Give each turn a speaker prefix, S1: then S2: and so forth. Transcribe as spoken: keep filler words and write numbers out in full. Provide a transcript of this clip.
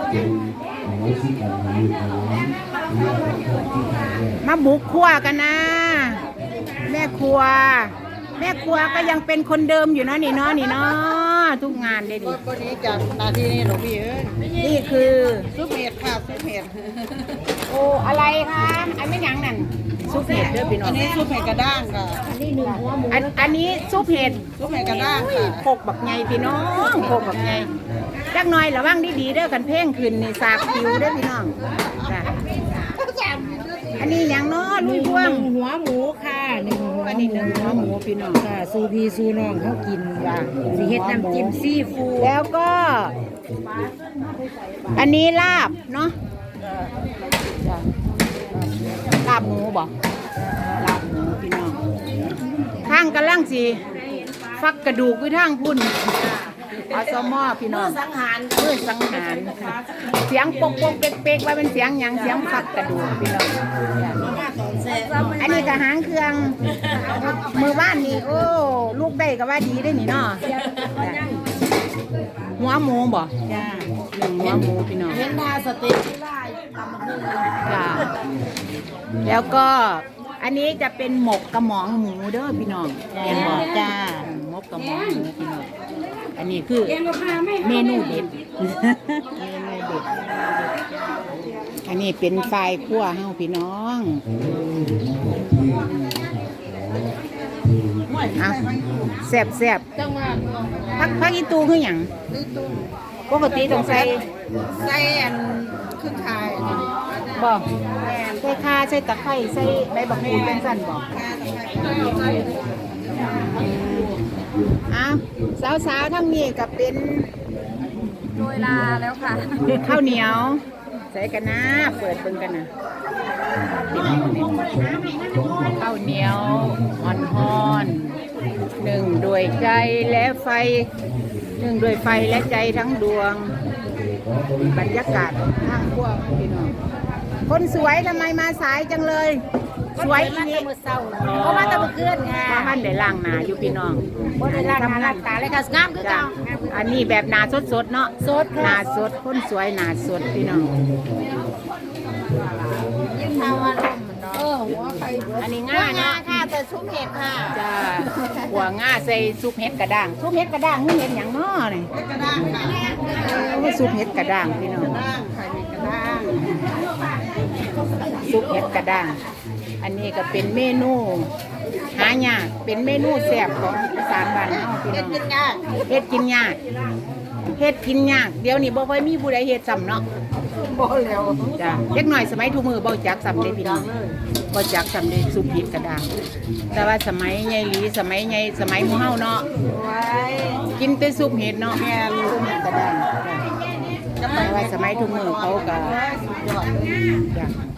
S1: มาบุกครัวกันนะแม่ครัวแม่ครัวก็ยังเป็นคนเดิมอยู่เนาะนี่เนาะนี่เนาะทุกงานเลยดิ
S2: ก็นี้จากนาทีนี้หลวงพี่เอ้ย
S1: นี่คือ
S2: ซุปเห็ดค่ะซุปเห็ด
S1: โอ้อะไรคะอันไม่หยังนั่นซุปเห็ดเด้อพี่น้อ
S2: อั
S1: ง
S2: นนี้ซุปเห็ดกระด้างค่ะ
S1: อันอันนี้ซุปเห็ด
S2: ซุปเห็ดกระด้างค่ะ
S1: โคกบักไงพี่น้องโคกบักไงจักหน่อยระวังดีๆเด้อกันเพ่งขึ้นนี่สากผิวเด้อพี่น้องจ้ะอันนี้หยังเนาะลุยพวง
S3: หัวหมูค่ะหนึ่งหัว
S1: อันนี้หนึ่งหัวหมูพี่น้อง
S3: ค่ะซูพีซูน้องเขากินว่าสิเฮ็ดน้ำจิ้มซีฟู้ด
S1: แล้วก็ อันนี้ลาบเนาะจ้ะลาบหมูบ่ลาบหมูพี่น้องทางกำลังสิฟักกระดูกไว้ทางพุ่นอาสมอพี่น้องสังหารเพื่อสังหารเสียงปกปกเป๊กเป๊กว่าเป็นเสียงหยังเสียงฟักกระดูกพี่น้องอันนี้ก็หางเครื่องมือบ้านนี่โอ้ลูกได้ก็ว่าดีได้นี่เนาะหัวหมูบ่
S3: จ้า
S1: หนึ่งหัวหมูพี่น้อง
S3: เห็นทาสเต็กที่ไล่ตำมะเขือ
S1: จ้าแล้วก็อันนี้จะเป็นหมกกระหมองหมูเด้อพี่น้องเห็นบ่จ้าหมกกระหมองหมูพี่น้องอันนี้คือเมนูเด็ดเมนูเด็ดอันนี้เป็นไฟคั่วเฮาพี่น้องอ่ะแซ่บแซ่บ
S3: จังหวัด
S1: พักพักอีตูคือหยังปกติต้องใส่
S2: ไส้อันครึ่งคาย
S1: บ่ใส่ข่าใส่ตะไคร้ใส่ใบบักกูดเป็นสั้นบ่อ้าวสาวๆทั้งนี้ก็เป็น
S3: โดยลาแล้วค่ะ
S1: ข้าวเหนียวใส่กันนะเปิดเบิ่งกันนะข้าวเหนียวอ่อนๆหนึ่งด้วยใจและไฟหนึ่งด้วยไฟและใจทั้งดวงบรรยากาศข้างพวกพี่น้องคนสวยทำไมมาสายจังเลย สวยอีนี้
S3: เพราะว่าตะบุเกือนค่ะ
S1: ว่ามันได้ล่างหนาอยู่พี่น้อง
S3: บ่ได้ล้างหน้าล้างตาเลยค่ะงามคือ
S1: จ้ะ
S3: เก่า
S1: อันนี้แบบหนาสดๆเนาะ
S3: สดค่ะ
S1: หนาสดคนสวยหนาสดพี่น้อง
S3: ยิ่งทาว่าลมมันเนาะเออหัวไข่
S1: อันนี้ง่ายเนาะ
S3: ค่ะแต่ซุปเห็ดค่ะ
S1: จ้าหัวง่าใส่ซุปเห็ดกระด้างซุปเห็ดกระด้างนี่เห็ดอย่างน้อนี่
S2: กระด้างค่ะ
S1: โอ้ซุปเห็ดกระด้างพี่น้อง
S2: กระด้างค่ะมีกระด้าง
S1: ซุปเห็ดกระด้าง อันนี้ก็เป็นเมนูหายากเป็นเมนูแซ่บของอีสานบ้านเฮาพี่น้อง
S2: กินยาก
S1: เฮ็ดกินยากเฮ็ดกินยากเดี๋ยวนี้บ่ค่อยมีผู้ใดเฮ็ดซ้ำเนาะ
S2: บ่แล้ว
S1: จ้าเด็กหน่อยสมัยทุกมือบ่จักซ้ำเด้พี่น้องบ่จักซ้ำเด้ซุปเห็ดกระด้าง แต่ว่าสมัยใหญ่หลีสมัยใหญ่สมัยหมู่เฮาเนาะ
S2: ไว้
S1: กินแต่ซุปเห็ดเนาะแม่ซุปเห็ดกระด้างจ้ะแต่ว่าสมัยทุกมือเขาก็
S2: สุดยอด
S1: จ้ะ